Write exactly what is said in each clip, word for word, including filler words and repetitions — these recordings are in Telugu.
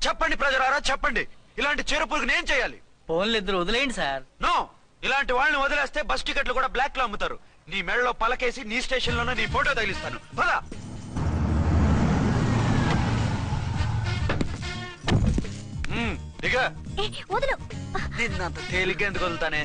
చెప్పండి ప్రజలారా చెప్పండి, ఇలాంటి చీరపురుగు నేను చేయాలి? ఫోన్లు ఇద్దరు వదిలేయండి సార్. నో, ఇలాంటి వాళ్ళని వదిలేస్తే బస్ టికెట్లు కూడా బ్లాక్ లో అమ్ముతారు. నీ మెడలో పలకేసి నీ స్టేషన్ లోనే నీ ఫోటో తగిలిస్తాను. పదా దిగ. నిన్నంత తేలిగ్గా ఎందుకు వదులుతానే?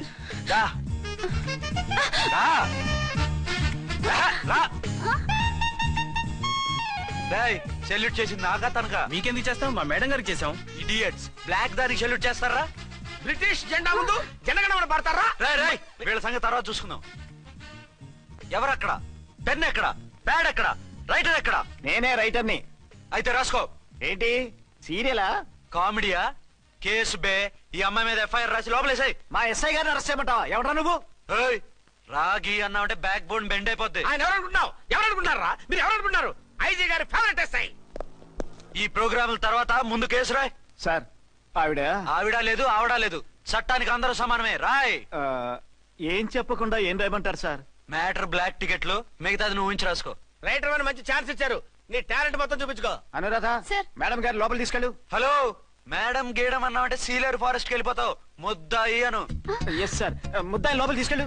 సెల్యూట్ చేసింది నాకా తనకా? మీకెందుకు చేస్తాం, మా మేడం గారికి చేసాం. ఇడియట్స్, బ్లాక్ దానికి సెల్యూట్ చేస్తారా? బ్రిటిష్ జెండా ముందు జనగణమన పడతారా? రై రై వీళ్ళ సంగతి తర్వాత చూసుకుందాం. ఎవరక్కడ? పెన్ ఎక్కడ? ప్యాడ్ ఎక్కడ? రైటర్ ఎక్కడ? నేనే రైటర్ని. అయితే రాసుకో. ఏంటి సీరియలా? కామెడీయా? కేసు బే. ఈ అమ్మాయి మీద ఎఫ్ఐఆర్ రాసి లోపలేసాయి. మా ఎస్ఐ గారిని అరెస్ట్ చేయమంటావా? ఎవడా నువ్వు? రాగి అన్నావంటే బ్యాక్ బోన్ బెండ్ అయిపోద్ది. ఆయన ఎవరనుకుంటున్నావు? ఎవరనుకుంటారా మీరు? ఎవరనుకుంటున్నారు? ఐజీ గారి ఫేవరెట్ ఎస్ఐ. ఈ ప్రోగ్రాముల తర్వాత ముందు కేసు రాయ్. సార్ ఆవిడ ఆవిడ లేదు ఆవిడ లేదు, చట్టానికి అందరూ సమానమే. రాయ్. ఏం చెప్పకుండా ఏం రాయమంటారు సార్? మ్యాటర్ బ్లాక్ టికెట్లు, మిగతాది నువ్వు ఉంచి రాసుకో. రైటర్ అని మంచి ఛాన్స్ ఇచ్చారు, నీ టాలెంట్ మొత్తం చూపించుకో. అనురాధ మేడం గారు లోపల తీసుకెళ్ళు. హలో, మేడం గీయడం అన్నావంటే సీలేరు ఫారెస్ట్ కి వెళ్ళిపోతావు. ముద్దాయి అను. ఎస్ సార్, ముద్దాయి లోపల తీసుకెళ్ళు.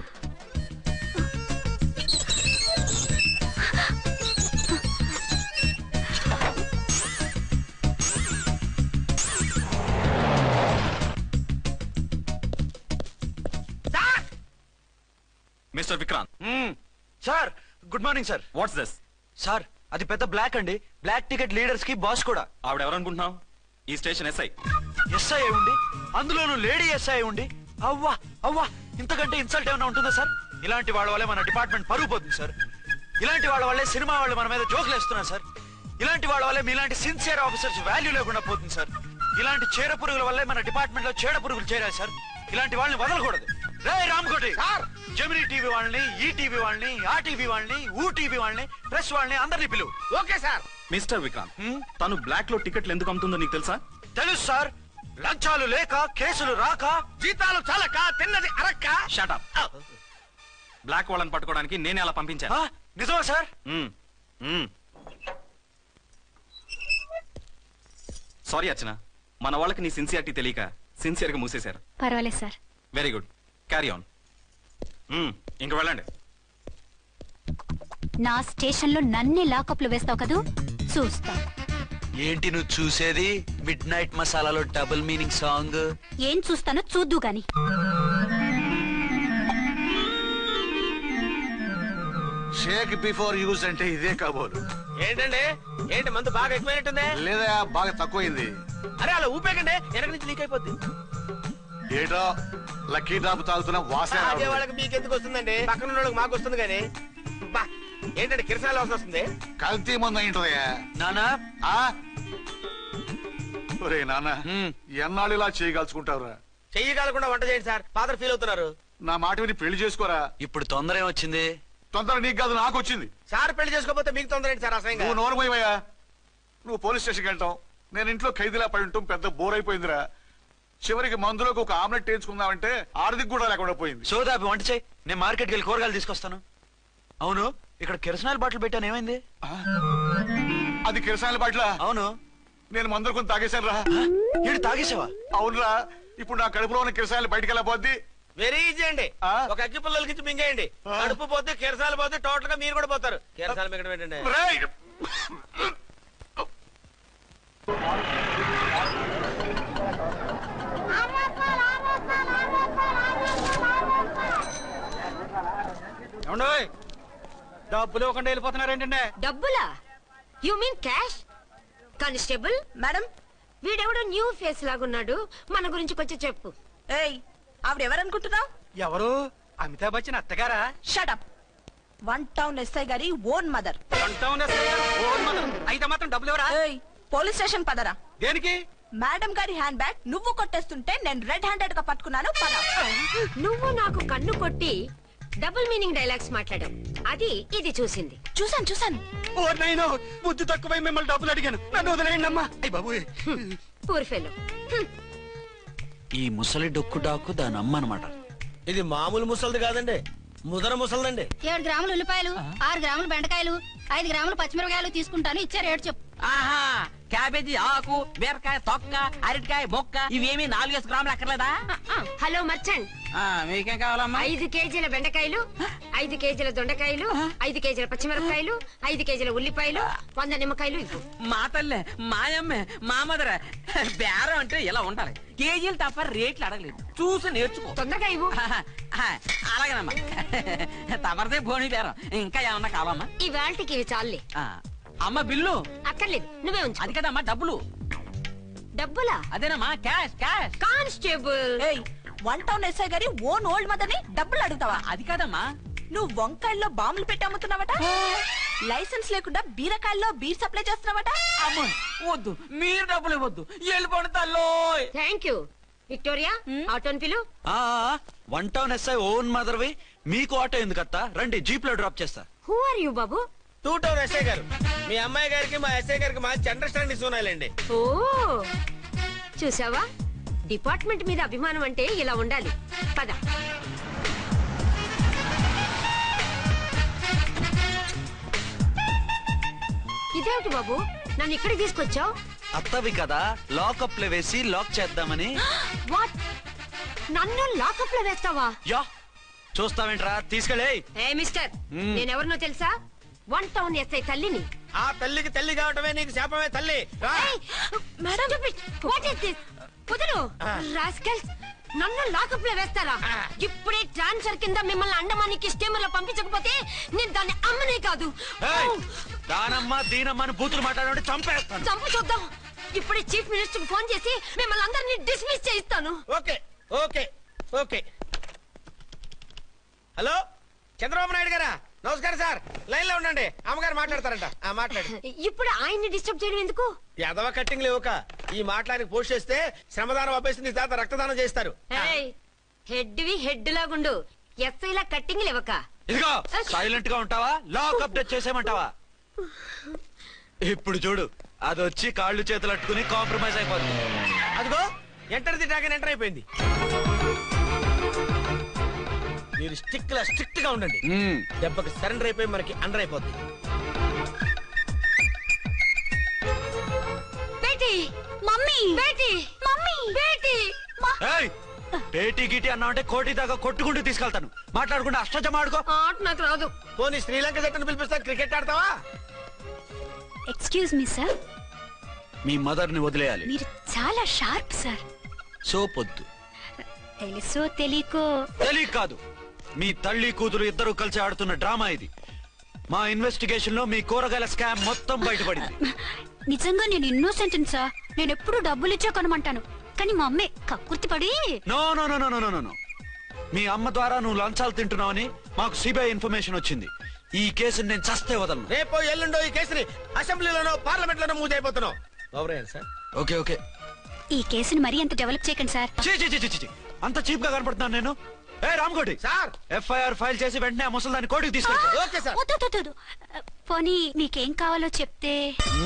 Mister Vikrant. Sir good morning sir. What's this? Sir అది పెద్ద బ్లాక్ అండి, బ్లాక్ టికెట్ లీడర్స్ కి బాస్ కూడా. ఆవిడ ఎవరనుకుంటున్నావు? ఈ స్టేషన్ ఎస్ఐ. ఎస్ఐ ఉండి, అందులోనూ లేడీ ఎస్ఐ ఉండి, అవ్వా అవ్వా ఇంతకంటే ఇన్సల్ట్ ఏమైనా ఉంటుందా సార్? ఇలాంటి వాళ్ళ వల్లే మన డిపార్ట్మెంట్ పరుగు పోతుంది సార్. ఇలాంటి వాళ్ళ వల్లే సినిమా వాళ్ళు మన మీద జోకులు వేస్తున్నారు సార్. ఇలాంటి వాళ్ళ వల్లే మీలాంటి సిన్సియర్ ఆఫీసర్స్ వాల్యూ లేకుండా పోతుంది సార్. ఇలాంటి చీడ పురుగుల వల్లే మన డిపార్ట్మెంట్ లో చీడ పురుగులు చేరాయి సార్. ఇలాంటి వాళ్ళని వదలకూడదు. రే రామ్కోటి సార్, జెమినీ టీవీ వాళ్ళని, ఈ టీవీ వాళ్ళని, ఆ టీవీ వాళ్ళని, ఊ టీవీ వాళ్ళని, ప్రెస్ వాళ్ళని అందరినీ పిలువు. Okay sir. మిస్టర్ విక్రాంత్, తను బ్లాక్ లో టికెట్లు ఎందుకు అమ్ముతుందో నీకు తెలుసా? తెలుసు సార్. లంచాలు లేక, కేసులు రాక, జీతాలు చాలక, తిన్నది అరక్క. Shut up. బ్లాక్ వాళ్ళని పట్టుకోవడానికి నేనే అలా పంపించాను. నిజమా సార్? సారీ అర్చన, మన వాళ్ళకి నీ సిన్సియారిటీ తెలియక సిన్సియర్ గా మూసేశారు. పర్వాలేదు sir. Very good, carry on. ఇంక వెళ్ళండి. నా స్టేషన్ లో నన్నే లాకప్ లో వేస్తావు కదూ, చూస్తా. ఏంటి నువ్వు చూసేది? మిడ్ నైట్ మసాలాలో డబుల్ మీనింగ్ సాంగ్. ఏం చూస్తానో చూద్దు గాని. షేక్ బిఫోర్ యూజ్ అంటే ఇదే కాబోలు. ఏంటండి, ఏంటి మందు బాగా ఎక్కువైనట్టుంది? లేదా బాగా తక్కువైంది. అరే అలా ఊపేకండి, వెనక నుంచి లీక్ అయిపోద్ది. ఏటో లక్కీ డ్రాప్ తాగుతున్న వాసన. అదే వాళ్ళకి మీకెందుకు వస్తుందండి, పక్కన వాళ్ళకి మాకు వస్తుంది కానీ. బా ఏంటంటే కిరసాల వాసన వస్తుంది. కల్తీ ముందు అయింటదయ్యా. నానా ఒరే నాన్న, ఎన్నాళ్ళు ఇలా చేయగలుచుకుంటావురా? చెయ్యగలకుండా వంట చేయండి సార్, ఫాదర్ ఫీల్ అవుతున్నారు. నా మాట విని పెళ్లి చేసుకోరా. ఇప్పుడు తొందర ఏమొచ్చింది? తొందర నీకు కాదు, నాకు వచ్చింది. సార్ పెళ్లి చేసుకోకపోతే మీకు తొందర ఏంటి సార్? అసలు నువ్వు నోరు పోయివయ్యా. నువ్వు పోలీస్ స్టేషన్కి వెళ్తావు, నేను ఇంట్లో ఖైదీలా పడి ఉంటాం. పెద్ద బోర్ అయిపోయిందిరా. చివరికి మందులోకి ఒక ఆమ్లెట్ వేయించుకుందామంటే ఆర్థిక కూడా లేకుండా పోయింది. సోదాపి వంట చేయి, నేను మార్కెట్కి వెళ్ళి కూరగాయలు తీసుకొస్తాను. అవును, ఇక్కడ కిరసనాయిల్ బాటిల్ పెట్టాను, ఏమైంది? అది కిరసనాయిల్ బాటిల్? అవును. నేను మందులు కొని తాగేశాను రా. ఏంటి తాగేసావా? అవునురా. ఇప్పుడు నా కడుపులో ఉన్న కిరసనాయిల్ బయటికి వెళ్ళబోద్ది. వెరీ ఈజీ అండి, ఒక అగ్గి పుల్లలకి మింగేయండి. కడుపు పోతే కిరసాలు పోతే టోటల్ గా మీరు కూడా పోతారు. కిరసాలు మింగడం ఏంటండి? డబ్బులు ఇవ్వకుండా వెళ్ళిపోతున్నారు ఏంటంటే? డబ్బులా? You mean cash? Constable madam, వీడెవడో న్యూ ఫేస్ లాగున్నాడు, మన గురించి కొంచెం చెప్పు. ఏయ్, ఆవిడెవరనుకుంటున్నావు? ఎవరు? అమితాబ్ బచ్చన్ అత్తగారా? షటప్. వన్ టౌన్ ఎస్ఐ గారి own mother. One town SI గారి ఓన్ మదర్ అయితే మాత్రం డబ్బులు ఎవరా? ఏయ్, పోలీస్ స్టేషన్ పదరా. దేనికి? మేడం గారి హ్యాండ్ బ్యాగ్ నువ్వు కొట్టేస్తుంటే నేను రెడ్ హ్యాండెడ్ గా పట్టుకున్నాను. పద. నువ్వు నాకు కన్ను కొట్టి డబుల్ మీనింగ్ డైలాగ్స్ మాట్లాడావు, అది ఇది చూసింది. చూసాను చూసాను. ఓ నైనో, బుద్ధి తక్కువై మిమ్మల్ని డబ్బులు అడిగాను, నన్ను వదిలేయండి అమ్మా. అయ్య బాబు, పూర్ ఫెలో. ఈ ముసలి డొక్కు డాకు దాని అమ్మ అనమాట. ఇది మామూలు ముసలిది కాదండి, ముదర ముసలిదండి. ఏడు గ్రాములు ఉల్లిపాయలు, ఆరు గ్రాములు బెండకాయలు, ఐదు గ్రాములు పచ్చిమిరపకాయలు తీసుకుంటాను, ఇచ్చే రేటు చెప్పు. ఆహా, క్యాబేజీ ఆకు బీరకాయ తొక్క అరటికాయ బొక్క ఇవేమి నాలుగేసి గ్రాములు అక్కర్లేదా? హలో మర్చండ్, ఆ, మీకేం కావాలమ్మా? ఐదు కేజీల బెండకాయలు, ఐదు కేజీల దొండకాయలు, ఐదు కేజీల పచ్చిమిరపకాయలు, ఐదు కేజీల ఉల్లిపాయలు, వంద నిమ్మకాయలు ఇవ్వు. మా తల్లే మాయమ్మే మా మదర బేరం అంటే ఇలా ఉండాలి. కేజీలు తప్ప రేట్లు అడగలేదు, చూసి నేర్చుకో. తొందరగా ఇవ్వు. అలాగేనమ్మా. తమరిదే భోని బేరం. ఇంకా ఏమన్నా కావాలమ్మా? ఈ వేల్టికి ఇవి చాలే. ఆ, అమ్మ బిల్లు అక్కర్లేదు, నువ్వే ఉంచు. అది కదమ్మా డబ్బులు. డబ్బులా? అదేనమ్మా క్యాష్ క్యాష్. కానిస్టేబుల్, ఏయ్ వన్ టౌన్ ఎస్ఐ గారి ఓన్ ఓల్డ్ మదర్ ని డబ్బులు అడుగుతావా? అది కాదమ్మా. నువ్వు వంకాయల్లో బాంబులు పెట్టి అమ్ముతున్నావట, లైసెన్స్ లేకుండా బీరకాయల్లో బీర్ సప్లై చేస్తున్నావట. అమ్మో వద్దు, మీరు డబ్బులు ఇవ్వద్దు, వెళ్ళిపోండి తల్లో. Thank you. విక్టోరియా, ఆటోన్ పిలు. ఆ వన్ టౌన్ ఎస్ఐ ఓన్ మదర్వి, మీకు ఆటో ఎందుకు అత్త? రండి, జీప్ లో డ్రాప్ చేస్తా. హూ ఆర్ యూ బాబు? టూ టౌన్ ఎస్ఐ గారు, మీ అమ్మాయి గారికి మా ఎస్ఐ గారికి మంచి అండర్స్టాండింగ్ ఉన్నాయిలేండి. ఓ చూసావా, డిపార్ట్మెంట్ మీద అభిమానం అంటే ఇలా ఉండాలి. పద. ఇదేమిటి బాబు, నన్ను ఇక్కడికి తీసుకొచ్చావు? అత్తవి కదా, లాకప్ లో వేసి లాక్ చేద్దామని. వాట్, నన్ను లాకప్ లో వేస్తావా? యా, చూస్తావేంట్రా, తీసుకెళ్ళే. ఏ మిస్టర్, మ్మ్. నేనెవరినో తెలుసా? వన్ టౌన్ ఎస్ఐ తల్లిని. ఆ తల్లికి తల్లి కావటమే నీకు శాపమే తల్లి. రా. Madam, what is this? కుదురు రాస్కల్స్, నన్ను లాకప్ లో వేస్తారా? ఇప్పుడే ట్రాన్స్ఫర్ కింద మిమ్మల్ని అండమానికి స్టీమర్ లో పంపించకపోతే నేను దాన్ని అమ్మనే కాదు. ఏయ్, దానమ్మ దీనమ్మని బూతులు మాట్లాడే చంపేస్తాను. చంపు చూద్దాం. ఇప్పుడే చీఫ్ మినిస్టర్ ఫోన్ చేసి మిమ్మల్ని అందరినీ డిస్మిస్ చేయిస్తాను. Okay okay okay. Hello Chandrababu Naidu గారా? నమస్కారం సార్, లైన్ లో ఉండండి, అమ్మగారు మాట్లాడతారంట. ఆ మాట్లాడు. ఇప్పుడు ఆయన్ని డిస్టర్బ్ చేయడం ఎందుకు? ఎదవ కట్టింగ్ లేవుక ఈ మాట్లాడికి పోస్ట్ చేస్తే శ్రమదానం అభ్యసి నీ తాత రక్తదానం చేస్తారు. హెడ్ వి హెడ్ లాగుండు, ఎస్ఐ లా కట్టింగ్ లేవక. ఇదిగో సైలెంట్ గా ఉంటావా, లాక్ అప్డేట్ చేసేమంటావా? ఇప్పుడు చూడు, అది వచ్చి కాళ్ళు చేతులు అట్టుకుని కాంప్రమైజ్ అయిపోతుంది. అదిగో ఎంటర్ ది డ్రాగన్ ఎంటర్ అయిపోయింది. మీరు స్టిక్ లా స్ట్రిక్ట్ గా ఉండండి, మ్మ్. దెబ్బకి సరెండర్ అయిపోయి మనకి అండర్ అయిపోద్ది. బేటీ, మమ్మీ, బేటీ, మమ్మీ, బేటీ. ఏయ్, పేటీ గిటి అన్నావంటే కోటి దాకా కొట్టుకుంటూ తీసుకెళ్తాను. మాట్లాడకుండా అష్టజమ ఆడుకో. ఆట నాకు రాదు. పోనీ శ్రీలంక జట్టును పిలిపిస్తా, క్రికెట్ ఆడతావా? ఎక్స్క్యూజ్ మీ సార్, మీ మదర్ ని వదిలేయాలి. మీరు చాలా షార్ప్ సార్. సోపొద్దు. తెలుసో తెలియకో తెలియ కాదు, మీ తల్లి కూతురు ఇద్దరు కలిసి ఆడుతున్న డ్రామా ఇది. మా ఇన్వెస్టిగేషన్ లో మీ కూరగాయల స్కామ్ మొత్తం బయటపడింది. నిజంగా నేను ఇన్నోసెంట్ సార్. నేను ఎప్పుడు డబ్బులు ఇచ్చా కొనమంటాను, కానీ మా అమ్మే కక్కుర్తి పడి. No no no no no no no మీ అమ్మ ద్వారా నువ్వు లంచాలు తింటున్నావని మాకు సిబిఐ ఇన్ఫర్మేషన్ వచ్చింది. ఈ కేసుని నేను చస్తే వదలను. రేపో ఎల్లుండో ఈ కేసుని అసెంబ్లీలోనో పార్లమెంట్ లోనో మూవ్ అయిపోతున్నావు. సార్ ఓకే ఓకే, ఈ కేసుని మరీ అంత డెవలప్ చేయకండి సార్. చీ చీ చీ చీ చీ. అంత చీప్ గా కనపడుతున్నాను నేను? ఏ రామ్కోటి సార్, ఎఫ్ఐఆర్ ఫైల్ చేసి వెంటనే ఆ ముసలిదాన్ని కోర్టుకి తీసుకెళ్ళి. Okay sir. వద్దు, వద్దు, వద్దు. పోనీ మీకేం కావాలో చెప్తే.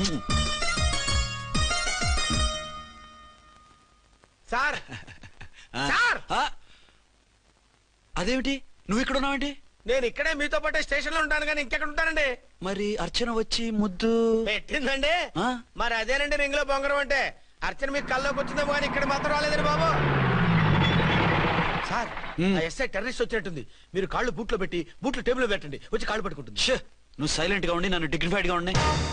సార్ సార్, అదేమిటి నువ్వు ఇక్కడ ఉన్నావేంటి? నేను ఇక్కడే మీతో పాటే స్టేషన్ లో ఉంటాను కానీ ఇంకెక్కడ ఉంటానండి? మరి అర్చన వచ్చి ముద్దు పెట్టిందండి. ఆ? మరి అదేనండి రింగ్ లో బొంగరం అంటే. అర్చన మీకు కల్లోకి వచ్చిందేమో కానీ ఇక్కడ మాత్రం రాలేదండి బాబు. సార్, ఆ ఎస్ఐ టెర్రరిస్ట్ వచ్చినట్టుంది. మీరు కాళ్ళు బూట్లో పెట్టి బూట్లు టేబుల్ లో పెట్టండి, వచ్చి కాళ్ళు పట్టుకుంటుంది. ష్, నువ్వు సైలెంట్ గా ఉండి నన్ను డిగ్నిఫైడ్ గా ఉండి.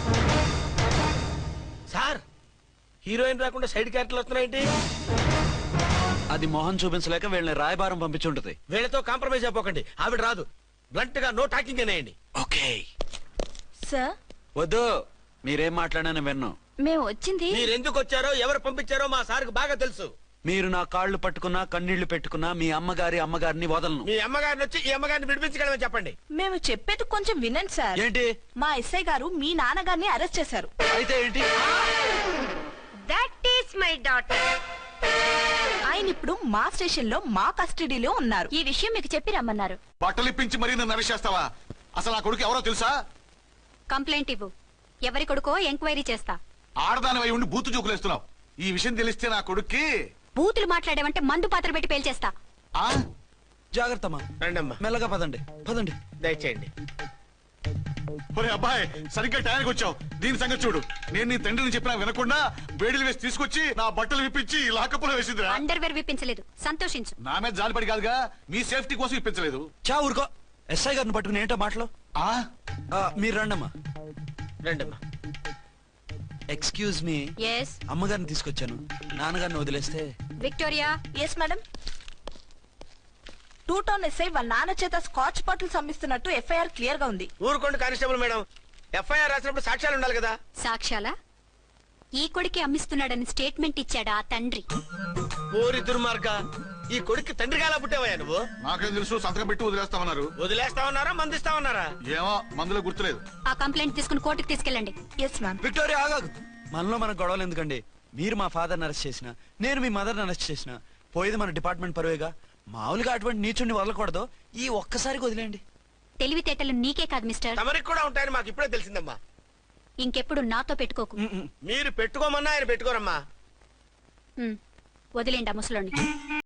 సార్, హీరోయిన్ రాకుండా సైడ్ క్యారెక్టర్లు వస్తున్నాయేంటి? అది మొహం చూపించలేక వీళ్ళని రాయబారం పంపించుంటది. వీళ్ళతో కాంప్రమైజ్ అయిపోకండి, ఆవిడ రాదు. బ్లంట్ గా నో టాకింగ్ అనేయండి. ఓకే సార్, వద్దు, మీరేం మాట్లాడానని విన్ను. మేము వచ్చింది. మీరు ఎందుకు వచ్చారో ఎవరు పంపించారో మా సార్కు బాగా తెలుసు. మీరు నా కాళ్ళు పట్టుకున్నా కన్నీళ్లు పెట్టుకున్నా మీ అమ్మగారి అమ్మగారిని వదలను. మీ అమ్మగారిని వచ్చి ఈ అమ్మగారిని విడిపించగలమని చెప్పండి. మేము చెప్పేది కొంచెం వినండి సార్. ఏంటి? మా ఎస్ఐ గారు మీ నాన్నగారిని అరెస్ట్ చేశారు. అయితే ఏంటి? That is my daughter. ఆయన ఇప్పుడు మా స్టేషన్ లో మా కస్టడీలో ఉన్నారు. ఈ విషయం మీకు చెప్పి రమ్మన్నారు. బట్టలు ఇప్పించి మరీ నన్ను అరెస్ట్ చేస్తావా? అసలు ఆ కొడుకు ఎవరో తెలుసా? కంప్లైంట్ ఇవ్వు, ఎవరి కొడుకో ఎంక్వైరీ చేస్తా. ఆడదానివై ఉండి బూతు చూకులేస్తున్నావు. ఈ విషయం తెలిస్తే నా కొడుక్కి. బూతులు మాట్లాడేవంటే మందు పాత్ర పెట్టి పేల్చేస్తా. ఆ జాగ్రత్తమ్మా, రండమ్మా, మెల్లగా పదండి పదండి. దయచేయండి. ఒరే అబ్బాయి సరిగ్గా టయానికి వచ్చావు. దీని సంగతి చూడు. నేను నీ తండ్రిని చెప్పినా వినకుండా వేడిలు వేసి తీసుకొచ్చి నా బట్టలు విప్పించి లాకప్పులో వేసిందిరా. అండర్వేర్ విప్పించలేదు, సంతోషించు. నా మీద జాలిపడి కాదుగా, మీ సేఫ్టీ కోసం ఇప్పించలేదు. చా ఊరుకో. ఎస్ఐ గారిని పట్టుకుని ఏంటో మాటలు. ఆ ఆ, మీరు రండమ్మా. రండమ్మా. Excuse me. ఎస్ అమ్మగారిని తీసుకొచ్చాను. నాన్నగారిని వదిలేస్తే. Victoria. Yes madam. Two town SI వాళ్ళ నాన్న చేత స్కాచ్ బాటిల్స్ అమ్మిస్తున్నట్టు ఎఫ్ఐఆర్ క్లియర్ గా ఉంది. ఊరుకోండి కానిస్టేబుల్ మేడం. ఎఫ్ఐఆర్ రాసినప్పుడు సాక్ష్యాలు ఉండాలి కదా. సాక్ష్యాలా? ఈ కొడుకే అమ్మిస్తున్నాడని స్టేట్మెంట్ ఇచ్చాడా ఆ తండ్రి? ఓరి దుర్మార్గ, ఈ కొడుక్కి తండ్రిగా ఎలా పుట్టావయ్యా నువ్వు? నాకేం తెలుసు, సంతకం పెట్టి వదిలేస్తామన్నారు. వదిలేస్తామన్నారా మందిస్తామన్నారా? ఏమో మందులో గుర్తులేదు. ఆ కంప్లైంట్ తీసుకుని కోర్టుకు తీసుకెళ్ళండి. Yes ma'am. విక్టోరియా ఆగాగు. మనలో మన గొడవలు ఎందుకండి? మీరు మా ఫాదర్ని అరెస్ట్ చేసిన, నేను మీ మదర్ని అరెస్ట్ చేసిన, పోయేది మన డిపార్ట్మెంట్ పరువేగా. మామూలుగా అటువంటి నీచుని వదలకూడదు. ఈ ఒక్కసారికి వదిలేండి. తెలివితేటలు నీకే కాదు మిస్టర్, తమరికి కూడా ఉంటాయని మాకు ఇప్పుడే తెలిసిందమ్మా. ఇంకెప్పుడు నాతో పెట్టుకోకు. మీరు పెట్టుకోమన్నా ఆయన పెట్టుకోరమ్మా. ఉమ్, వదిలేండి ఆ ముసలోని.